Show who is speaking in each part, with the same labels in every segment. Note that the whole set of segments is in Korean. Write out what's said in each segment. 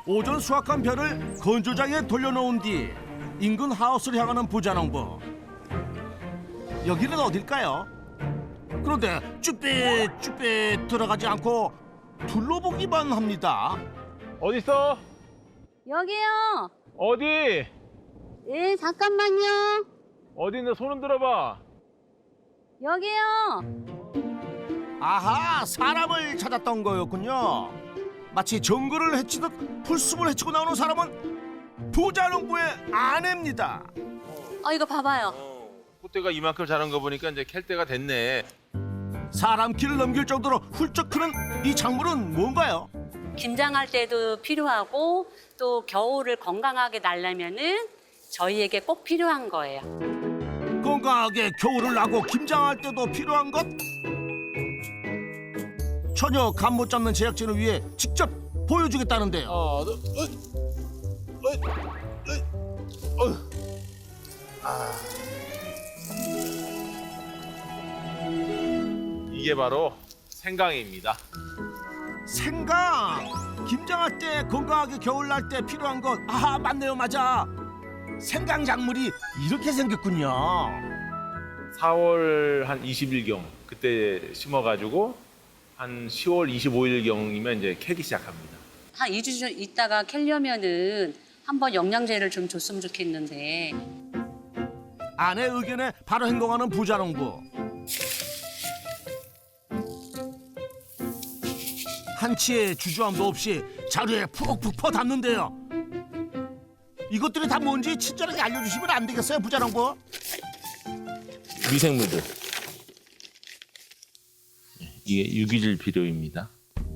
Speaker 1: 오전 수확한 벼를 건조장에 돌려놓은 뒤 인근 하우스를 향하는 부자농부. 여기는 어딜까요? 그런데 쭈뼛쭈뼛 들어가지 않고 둘러보기만 합니다.
Speaker 2: 어디 있어?
Speaker 3: 여기요.
Speaker 2: 어디?
Speaker 3: 예, 잠깐만요.
Speaker 2: 어디 있는데 손 흔들어봐.
Speaker 3: 여기요.
Speaker 1: 아하, 사람을 찾았던 거였군요. 마치 정글을 헤치듯 풀숲을 헤치고 나오는 사람은 부자농부의 아내입니다.
Speaker 3: 이거 봐봐요.
Speaker 2: 콧대가 이만큼 자란 거 보니까 이제 캘 때가 됐네.
Speaker 1: 사람 길을 넘길 정도로 훌쩍 크는 이 작물은 뭔가요?
Speaker 3: 김장할 때도 필요하고 또 겨울을 건강하게 날려면은 저희에게 꼭 필요한 거예요.
Speaker 1: 건강하게 겨울을 나고 김장할 때도 필요한 것? 전혀 감 못 잡는 제작진을 위해 직접 보여주겠다는데요.
Speaker 2: 이게 바로 생강입니다.
Speaker 1: 생강! 김장할 때 건강하게 겨울 날 때 필요한 것. 아하, 맞네요, 맞아. 생강 작물이 이렇게 생겼군요.
Speaker 2: 4월 한 20일경 그때 심어가지고 한 10월 25일경이면 이제 캐기 시작합니다.
Speaker 3: 한 2주 좀 있다가 캘려면은 한번 영양제를 좀 줬으면 좋겠는데.
Speaker 1: 아내 의견에 바로 행동하는 부자농부. 한치의 주저함도 없이 자루에 푹푹 퍼담는데요. 이것들이 다 뭔지 친절하게 알려주시면 안 되겠어요, 부자농부?
Speaker 2: 미생물들. 이게 유기질 비료입니다.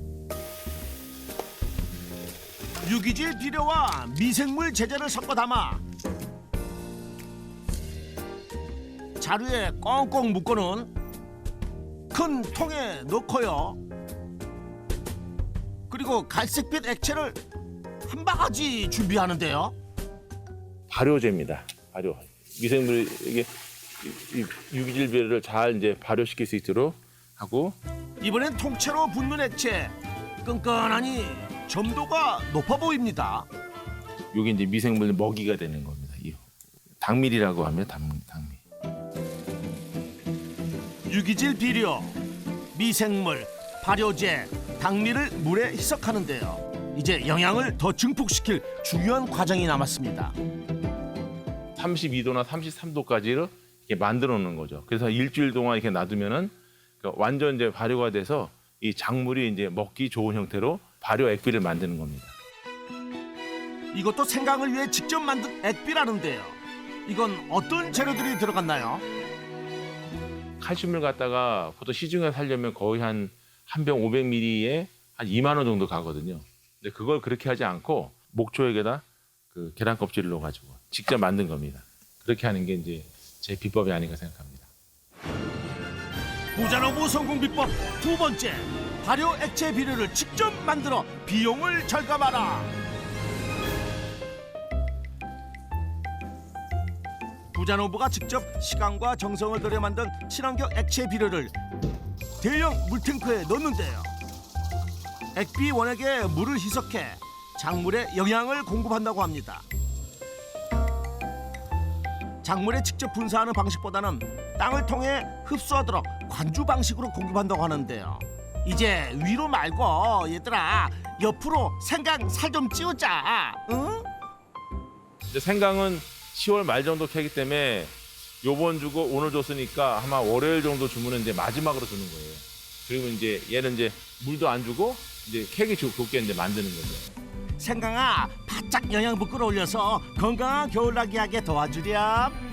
Speaker 1: 유기질 비료와 미생물 제재를 섞어 담아 자루에 꽁꽁 묶어놓은 큰 통에 넣고요. 그리고 갈색빛 액체를 한 바가지 준비하는데요.
Speaker 2: 발효제입니다. 발효. 미생물 이게 이 유기질 비료를 잘 이제 발효시킬 수 있도록 하고
Speaker 1: 이번엔 통째로 붓는 액체. 끈끈하니 점도가 높아 보입니다.
Speaker 2: 이게 이제 미생물 먹이가 되는 겁니다. 이 당밀이라고 하면 당밀.
Speaker 1: 유기질 비료, 미생물, 발효제, 당밀을 물에 희석하는데요. 이제 영양을 더 증폭시킬 중요한 과정이 남았습니다.
Speaker 2: 32도나 33도까지를 이렇게 만들어 놓는 거죠. 그래서 일주일 동안 이렇게 놔두면은 완전 이제 발효가 돼서 이 작물이 이제 먹기 좋은 형태로 발효 액비를 만드는 겁니다.
Speaker 1: 이것도 생강을 위해 직접 만든 액비라는데요. 이건 어떤 재료들이 들어갔나요?
Speaker 2: 칼슘을 갖다가 보통 시중에 살려면 거의 한 병 500ml에 한 2만 원 정도 가거든요. 근데 그걸 그렇게 하지 않고 목초액에다 그 계란 껍질을 넣어가지고 직접 만든 겁니다. 그렇게 하는 게 이제 제 비법이 아닌가 생각합니다.
Speaker 1: 부자농부 성공 비법 두 번째, 발효 액체 비료를 직접 만들어 비용을 절감하라. 부자농부가 직접 시간과 정성을 들여 만든 친환경 액체 비료를 대형 물탱크에 넣는데요. 액비 원액에 물을 희석해 작물에 영양을 공급한다고 합니다. 작물에 직접 분사하는 방식보다는 땅을 통해 흡수하도록 관주 방식으로 공급한다고 하는데요. 이제 위로 말고 얘들아 옆으로 생강 살 좀 찌우자. 응?
Speaker 2: 이제 생강은 10월 말 정도 캐기 때문에 요번 주고 오늘 줬으니까 아마 월요일 정도 주문은 이제 마지막으로 주는 거예요. 그리고 이제 얘는 이제 물도 안 주고 이제 캐기 좋게 이제 만드는 거죠.
Speaker 1: 생강아 바짝 영양분 끌어올려서 건강한 겨울나기 하게 도와주렴.